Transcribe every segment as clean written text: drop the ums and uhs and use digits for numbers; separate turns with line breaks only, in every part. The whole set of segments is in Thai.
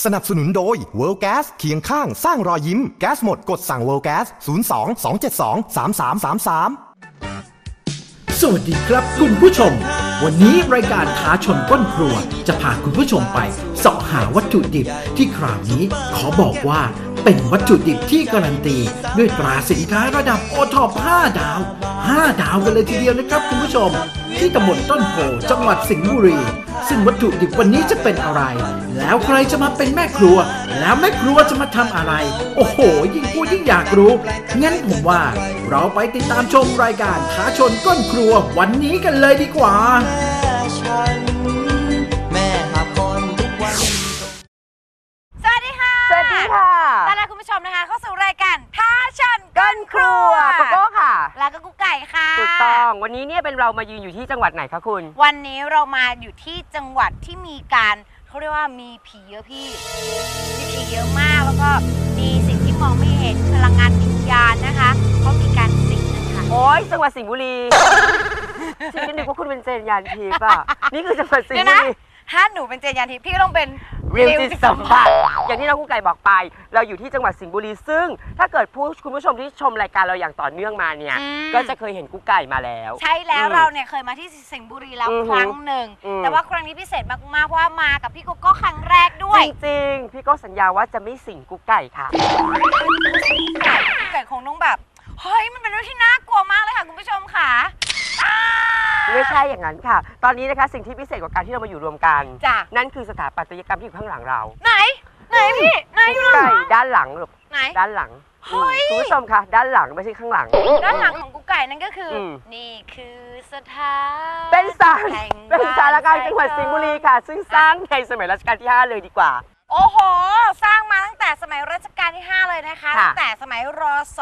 สนับสนุนโดย World Gas เคียงข้างสร้างรอยยิ้มแก๊สหมดกดสั่ง World Gas 02 272 3333
สวัสดีครับคุณผู้ชมวันนี้รายการท้าชนก้นครัวจะพาคุณผู้ชมไปเสาะหาวัตถุดิบที่คราวนี้ขอบอกว่าเป็นวัตถุดิบที่การันตีด้วยตราสินค้าระดับโอท็อป5 ดาวกันเลยทีเดียวนะครับคุณผู้ชมที่ตำบลต้นโพจังหวัดสิงห์บุรีซึ่งวัตถุดิบวันนี้จะเป็นอะไรแล้วใครจะมาเป็นแม่ครัวแล้วแม่ครัวจะมาทำอะไรโอ้โหยิ่งพูดยิ่งอยากรู้งั้นผมว่าเราไปติดตามชมรายการท้าชนก้นครัววันนี้กันเลยดีกว่า
สวัสดีค่ะต้อนรับคุณผู้ชมนะคะเข้าสู่รายการท้าชนก้นครัว
โกโก้ค่ะ
แล้วก็กุ๊กไก่ค่ะ
ถูกต้องวันนี้เนี่ยเป็นเรามายืนอยู่ที่จังหวัดไหนคะคุณ
วันนี้เรามาอยู่ที่จังหวัดที่มีการเขาเรียกว่ามีผีเยอะพี่มีผีเยอะมากแล้วก็มีสิ่งที่มองไม่เห็นพลังงานวิญญาณนะคะเขามีการสิงนะคะ
โอ้ยจังหวัดสิงห์บุรีฉันนึกว่าคุณเป็นเจนยานทิพย์อ่ะนี่คือจังหวัดสิงห์บุรี
ถ้าหนูเป็นเจนยานทิพย์พี่ก็ต้องเป็น
วิวจิตสัมผัสอย่างที่น้องกุ๊กไก่บอกไปเราอยู่ที่จังหวัดสิงห์บุรีซึ่งถ้าเกิดคุณผู้ชมที่ชมรายการเราอย่างต่อเนื่องมาเนี่ยก็จะเคยเห็นกุ๊กไก่มาแล้ว
ใช่แล้วเราเนี่ยเคยมาที่สิงห์บุรีแล้วครั้งหนึ่งแต่ว่าครั้งนี้พิเศษมากๆเพราะว่ามากับพี่โกโก้ครั้งแรกด้วย
จริงๆพี่ก็สัญญาว่าจะไม่สิงกุ๊กไก่ค่ะ
กุ๊กไก่คงต้องแบบเฮ้ยมันเป็นเรื่องที่น่ากลัวมากเลยค่ะคุณผู้ชมค่ะ
ไม่ใช่อย่างนั้นค่ะตอนนี้นะคะสิ่งที่พิเศษกว่าการที่เรามาอยู่รวมกันนั่นคือสถาปัตยกรรมที่อยู่ข้างหลังเรา
ไหนพี่ไหนอยู่หลัง
ด้านหลังลูก
ไหน
ด้านหลังคุณผู้ชมค่ะด้านหลังไม่ใช่ข้างหลัง
ด้านหลังของกุ๊กไก่นั่นก็คือนี่คือสถาน
เป็นสารกลางจังหวัดสิงห์บุรีค่ะซึ่งสร้างในสมัยรัชกาลที่5เลยดีกว่า
โอ้โหสร้างมาตั้งแต่สมัยรัชกาลที่5เลยนะคะตั้งแต่สมัยรศ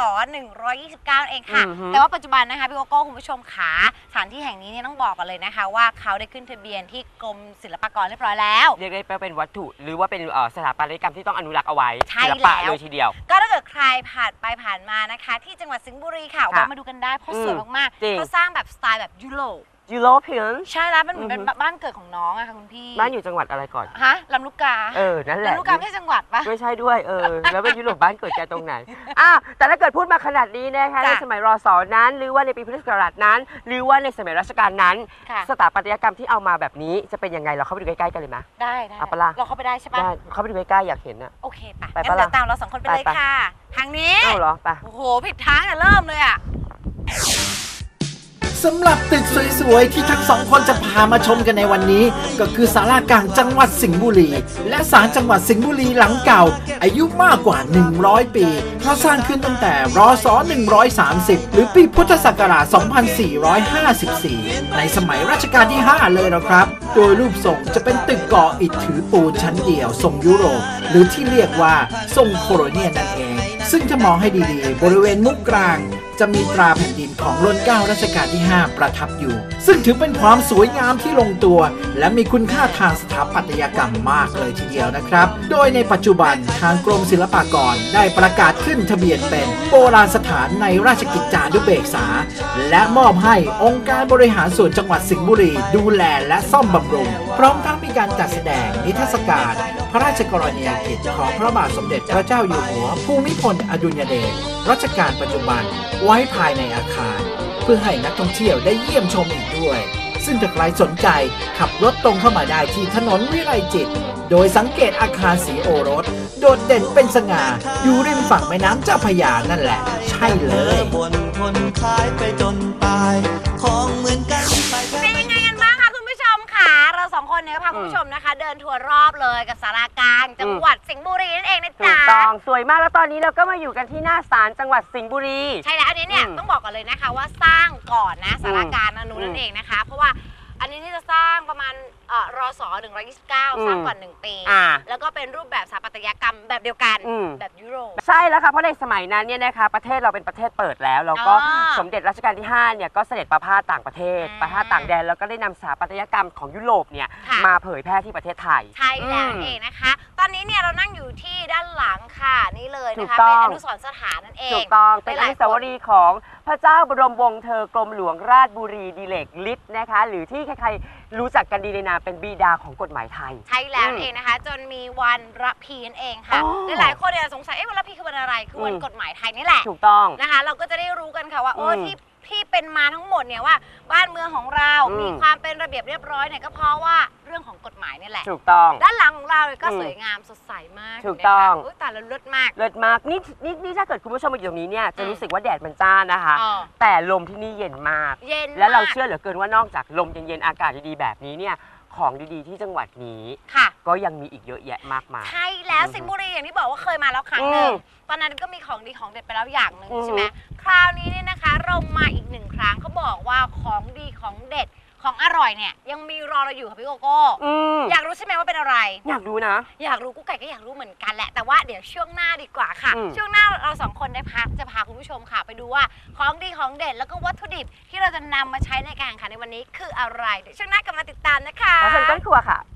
129เองค่ะแต่ว่าปัจจุบันนะคะพี่โกโก้คุณผู้ชมขาสถานที่แห่งนี้เนี่ยต้องบอกกันเลยนะคะว่าเขาได้ขึ้นทะเบียนที่กรมศิลปากรเรียบร้อยแล้ว
เรียกได้เป็นวัตถุหรือว่าเป็นสถาปัตยกรรมที่ต้องอนุรักษ์เอาไว้
ศิลปะ
เลยทีเดียว
ก็ถ้าเกิดใครผ่านไปผ่านมานะคะที่จังหวัดสิงห์บุรีค่ะแวะมาดูกันได้เพราะสวยมากๆเขาสร้างแบบสไตล์แบบยุโรปใช่แล้วมันเหมือนเป็นบ้านเกิดของน้องอะค่ะคุณพี่
บ้านอยู่จังหวัดอะไรก่อน
ฮะลำลูกกา
นั่นแหละ
ลำลูกกาไม่ใช่จังหวัดปะ
ไม่ใช่ด้วยแล้วเป็นยุโรปบ้านเกิดแกตรงไหนแต่ถ้าเกิดพูดมาขนาดนี้นะคะในสมัยรศนั้นหรือว่าในปีพุทธศักราชนั้นหรือว่าในสมัยรัชกาลนั้นสถาปัตยกรรมที่เอามาแบบนี้จะเป็นยังไงเราเข้าไปดูใกล้ๆกันเลยไหม
ได้เราเข้าไปได้ใช่ปะ
เข้าไปดูใกล้ๆอยากเห็นอะ
โอเคไปงั้นเดี๋ยวตามเรา2คนไปเลยค่ะทางนี้
เหรอไป
โอ้โหผิดทางเริ่มเลยอะ
สำหรับตึกสวยๆที่ทั้งสองคนจะพามาชมกันในวันนี้ก็คือศาลากลางจังหวัดสิงห์บุรีและศาลจังหวัดสิงห์บุรีหลังเก่าอายุมากกว่า100ปีเพราะสร้างขึ้นตั้งแต่รศ130หรือปีพุทธศักราช2454ในสมัยรัชกาลที่5เลยนะครับโดยรูปทรงจะเป็นตึกก่ออิฐถือปูนชั้นเดียวทรงยุโรปหรือที่เรียกว่าทรงโคโลเนียลนั่นเองซึ่งถ้ามองให้ดีๆบริเวณมุมกลางจะมีตราแผ่นดินของรัชกาลรัชกาลที่5ประทับอยู่ซึ่งถือเป็นความสวยงามที่ลงตัวและมีคุณค่าทางสถาปัตยกรรมมากเลยทีเดียวนะครับโดยในปัจจุบันทางกรมศิลปากรได้ประกาศขึ้นทะเบียนเป็นโบราณสถานในราชกิจจานุเบกษาและมอบให้องค์การบริหารส่วนจังหวัดสิงห์บุรีดูแลและซ่อมบำรุงพร้อมทั้งมีการจัดแสดงนิทรรศการพระราชกรณียกิจของพระบาทสมเด็จพระเจ้าอยู่หัวภูมิพลอดุลยเดชรัชกาลปัจจุบันไว้ภายในอาคารเพื่อให้นักท่องเที่ยวได้เยี่ยมชมอีกด้วยซึ่งถ้าใครสนใจขับรถตรงเข้ามาได้ที่ถนนวิไลจิตรโดยสังเกตอาคารสีโอรสโดดเด่นเป็นสง่าอยู่ริมฝั่งแม่น้ำเจ้าพระยานั่นแหละใช่เลย
เป็นยังไงกันบ้างคะคุณผู้ชมค่ะเรา2คนเนี่ยพาคุณผู้ชมนะคะเดินทัวร์รอบเลยกับศาลากลางจังหวัดสิงห์บุรีนั่นเองนะจ๊ะ
ถูกต้องสวยมากแล้วตอนนี้เราก็มาอยู่กันที่หน้าศาลจังหวัดสิงห์บุรี
ใช่แล้วอันนี้เนี่ยต้องบอกกันเลยนะคะว่าสร้างก่อนนะศาลากลางนั่นเองนะคะเพราะว่าอันนี้ที่จะสร้างประมาณรศ129สร้างก่อน1ปีแล้วก็เป็นรูปแบบสถาปัตยกรรมแบบเดียวกันแบบยุโรป
ใช่แล้วค่ะเพราะในสมัยนั้นเนี่ยนะคะประเทศเราเป็นประเทศเปิดแล้วแล้วก็สมเด็จรัชกาลที่5เนี่ยก็เสด็จประพาสต่างประเทศประพาสต่างแดนแล้วก็ได้นำสถาปัตยกรรมของยุโรปเนี่ยมาเผยแพร่ที่ประเทศไทย
ใช่แล้วเองนะคะตอนนี้เนี่ยเรานั่งอยู่ที่ด้านหลังค่ะนี่เลยนะคะเป็นอนุสรณ์สถานนั่นเอง
ถูกต้องเป็นอนุสาวรีย์ของพระเจ้าบรมวงศ์เธอกรมหลวงราชบุรีดิเลกฤทธิ์นะคะหรือที่ใครๆรู้จักกันดีในนามเป็นบิดาของกฎหมายไทย
ใช่แล้วเองนะคะจนมีวันระพีนั่นเองค่ะหลายคนเนี่ยสงสัยวันระพีคือวันอะไรคือวันกฎหมายไทยนี่แหละ
ถูกต้อง
นะคะเราก็จะได้รู้กันค่ะว่าที่เป็นมาทั้งหมดเนี่ยว่าบ้านเมืองของเรามีความเป็นระเบียบเรียบร้อยเนี่ยก็เพราะว่าเรื่องของกฎหมายนี่แหละ
ถูกต้อง
ด้านหลังของเราก็สวยงามสดใสมาก
ถูกต้อง
แต่ละเลิศมาก
นี่ถ้าเกิดคุณผู้ชมมาอยู่ตรงนี้เนี่ยจะรู้สึกว่าแดดมันจ้านะคะแต่ลมที่นี่เย็นมากและเราเชื่อเหลือเกินว่านอกจากลมเย็นๆอากาศดีๆแบบนี้เนี่ยของดีๆที่จังหวัดนี้ก็ยังมีอีกเยอะแยะมากมาย
ใช่แล้วสิงห์บุรีอย่างที่บอกว่าเคยมาแล้วครั้งหนึ่งตอนนั้นก็มีของดีของเด็ดไปแล้วอย่างหนึ่งใช่ไหมคราวนี้เนี่ยนะคะเรามาอีกหนึ่งครั้งเขาบอกว่าของดีของเด็ดของอร่อยเนี่ยยังมีรอเราอยู่ค่ะพี่โกโก้อยากรู้ใช่ไหมว่าเป็นอะไร
อยากรู้นะ
อยากรู้กุ๊กไก่ก็อยากรู้เหมือนกันแหละแต่ว่าเดี๋ยวช่วงหน้าดีกว่าค่ะช่วงหน้าเราสองคนได้พักจะพาคุณผู้ชมค่ะไปดูว่าของดีของเด็ดแล้วก็วัตถุดิบที่เราจะนำมาใช้ในการแข่งขันในวันนี้คืออะไรเดี๋ยวช่วงหน้ากลับมาติดตามนะคะ
แล้วฉันต้นครัวค่ะ